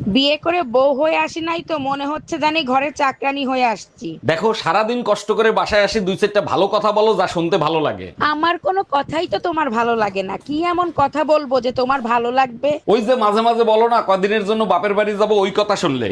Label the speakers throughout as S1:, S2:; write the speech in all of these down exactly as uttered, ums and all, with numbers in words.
S1: বিয়ে করে বউ হয়ে আসি নাই তো, মনে হচ্ছে জানি ঘরে চাকরানি হয়ে আসছি।
S2: দেখো সারাদিন কষ্ট করে বাসায় আসি, দুই চারটা ভালো কথা বলো যা শুনতে ভালো লাগে।
S1: আমার কোনো কথাই তো তোমার ভালো লাগে না, কি এমন কথা বলবো যে তোমার ভালো লাগবে?
S2: ওই যে মাঝে মাঝে বলো না কদিনের জন্য বাপের বাড়ি যাব, ওই কথা শুনলে।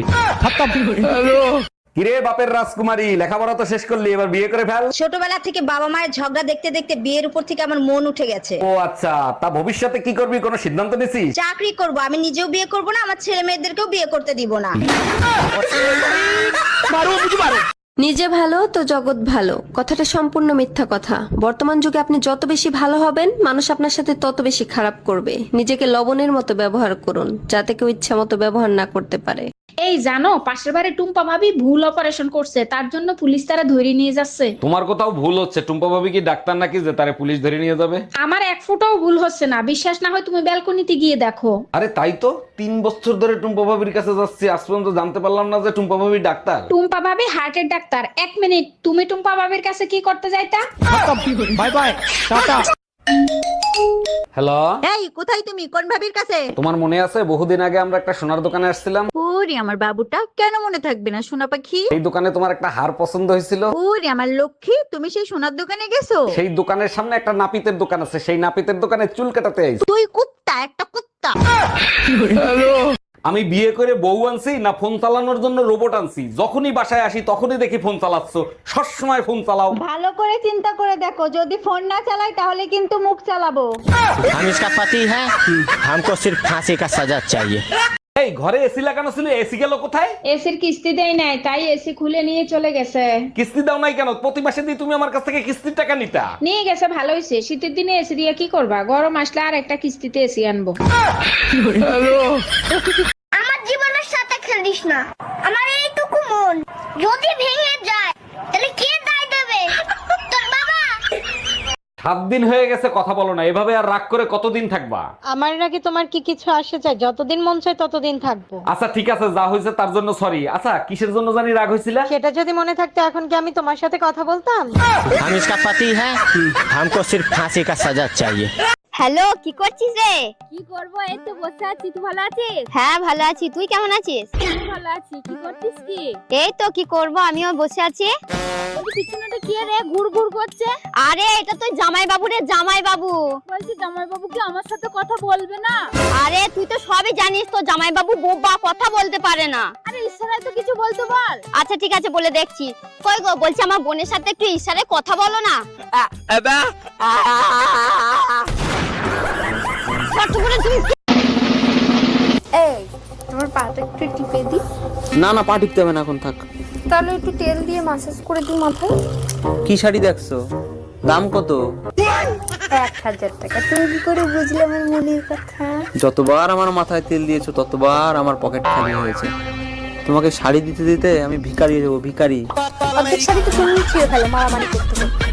S2: কিরে বাপের রাজকুমারী, লেখাপড়া তো শেষ করলি, এবার বিয়ে করে ফেল।
S3: ছোটবেলা থেকে বাবা মায়ের ঝগড়া দেখতে দেখতে বিয়ের উপর থেকে আমার মন উঠে গেছে।
S2: ও আচ্ছা, তা ভবিষ্যতে কি করবি, কোনো সিদ্ধান্ত নিছিস?
S3: চাকরি করব, আমি নিজেও বিয়ে করব না, আমার ছেলে মেয়েদেরকেও বিয়ে করতে দিব না।
S4: নিজে ভালো তো জগৎ ভালো, কথাটা সম্পূর্ণ মিথ্যা কথা। বর্তমান যুগে আপনি যত বেশি ভালো হবেন, মানুষ আপনার সাথে তত বেশি খারাপ করবে। নিজেকে লবণের মতো ব্যবহার করুন, যাতে কেউ ইচ্ছা মতো ব্যবহার না করতে পারে।
S5: এই জানো, পাশের বাড়ি টুম্পা ভাবি ভুল অপারেশন করছে, তার জন্য পুলিশ তারা ধরে নিয়ে যাচ্ছে।
S2: তোমার কোথাও ভুল হচ্ছে, টুম্পা ভাবি কি ডাক্তার নাকি যে তারে পুলিশ ধরে নিয়ে যাবে?
S5: আমার এক ফুটাও ভুল হচ্ছে না, বিশ্বাস না হয় তুমি ব্যালকনিতে গিয়ে দেখো।
S2: আরে তাই তো, তিন বছর ধরে টুম্পা ভাবির কাছে যাচ্ছি, আজ পর্যন্ত জানতে পারলাম না যে টুম্পা ভাবি ডাক্তার।
S5: টুম্পা ভাবি হার্টের ডাক্তার। এক মিনিট, তুমি টুম্পা ভাবির কাছে কি করতে যাইতা?
S2: Bye bye, tata. হ্যালো,
S3: এই কোথায় তুমি, কোন ভাবির কাছে?
S2: তোমার মনে আছে বহুদিন আগে আমরা একটা সোনার দোকানে আসছিলাম?
S3: ওরে আমার বাবুটা, কেন মনে থাকবে না সোনা পাখি?
S2: এই দোকানে তোমার একটা হার পছন্দ হয়েছিল।
S3: ওরে আমার লক্ষ্মী, তুমি সেই সোনার দোকানে গেছো?
S2: সেই দোকানের সামনে একটা নাপিতের দোকান আছে, সেই নাপিতের দোকানে চুল কাটাতে আইছি।
S3: তুই কুত্তা, একটা কুত্তা।
S2: আমি বিয়ে করে বউ আনছি না ফোন চালানোর জন্য রোবট আনছি? যখনই বাসায় আসি তখনই দেখি ফোন চালাচ্ছ, সবসময় ফোন চালাও।
S3: ভালো করে চিন্তা করে দেখো, যদি ফোন না চালাই তাহলে কিন্তু মুখ চালাবো।
S6: हम इसका पति है, हमको सिर्फ फांसी का सजा चाहिए।
S2: এই ঘরে এসি লাগানো ছিল, এসি গেল কোথায়?
S5: এসির কিস্তি দেয় নাই, তাই এসি খুলে নিয়ে চলে গেছে।
S2: কিস্তি দাও নাই কেন? প্রতি মাসে দিয়ে তুমি আমার কাছ থেকে কিস্তির টাকা নিতা।
S5: নিয়ে গেছে, ভালো হয়েছে। শীতের দিনে এসি দিয়ে কি করবা, গরম আসলে আর একটা কিস্তিতে এসি আনবো।
S7: আমার জীবনের সাথে খেলিস না, আমার এইটুকু মন যদি ভেঙে যায় তাহলে কে দায় দেবে? তোর বাবা।
S2: সাত দিন হয়ে গেছে কথা বলো না, এভাবে আর রাগ করে কতদিন থাকবা?
S8: আমার নাকি তোমার কি কিছু আসে চাই? যতদিন মন চায় ততদিন থাকবো।
S2: আচ্ছা ঠিক আছে, যা হয়েছে তার জন্য সরি। আচ্ছা কিসের জন্য জানি রাগ হয়েছিল?
S8: সেটা যদি মনে থাকতো এখন কি আমি তোমার সাথে কথা বলতাম?
S6: हम इसका पति है, हमको सिर्फ फांसी का सजा चाहिए।
S7: হ্যালো, কি করছিস রে?
S9: কি করবো, এই তো বসে আছি। তুই ভালো আছিস?
S7: হ্যাঁ ভালো আছি, তুই কেমন আছিস?
S9: ভালো আছি। কি করছিস কি?
S7: এই তো কি করব, আমিও বসে আছি।
S9: বলছি পিছনেটা কি রে ঘুর ঘুর করছে?
S7: আরে এটা তো জামাই বাবু রে, জামাই বাবু।
S9: বলছি জামাই বাবু কি আমার সাথে কথা বলবে না?
S7: আরে তুই তো সবই জানিস, তো জামাই বাবু বোবা, কথা বলতে পারে না।
S9: আরে ইশারায় তো কিছু বলতে বল।
S7: আচ্ছা ঠিক আছে, বলে দেখছি। কই গো, বলছি আমার বোনের সাথে একটু ইশারায় কথা বলো না।
S9: এই তোমার পাটা একটু টিপে দি।
S10: না না, পা টিপতে হবে না, এখন থাক।
S9: তাহলে একটু তেল দিয়ে মাসাজ করে দি মাথায়।
S10: কি শাড়ি দেখছো? দাম কত?
S9: এক হাজার টাকা। তুমি কি করে বুঝলে আমার মনের কথা?
S10: যতবার আমার মাথায় তেল দিয়েছো ততবার আমার পকেট খালি হয়েছে। তোমাকে শাড়ি দিতে দিতে আমি ভিখারি হয়ে যাবো, ভিখারি।
S9: অর্ধেক শাড়ি তো তুমি ছিঁড়ে ফেলো মারামারি করতে করতে।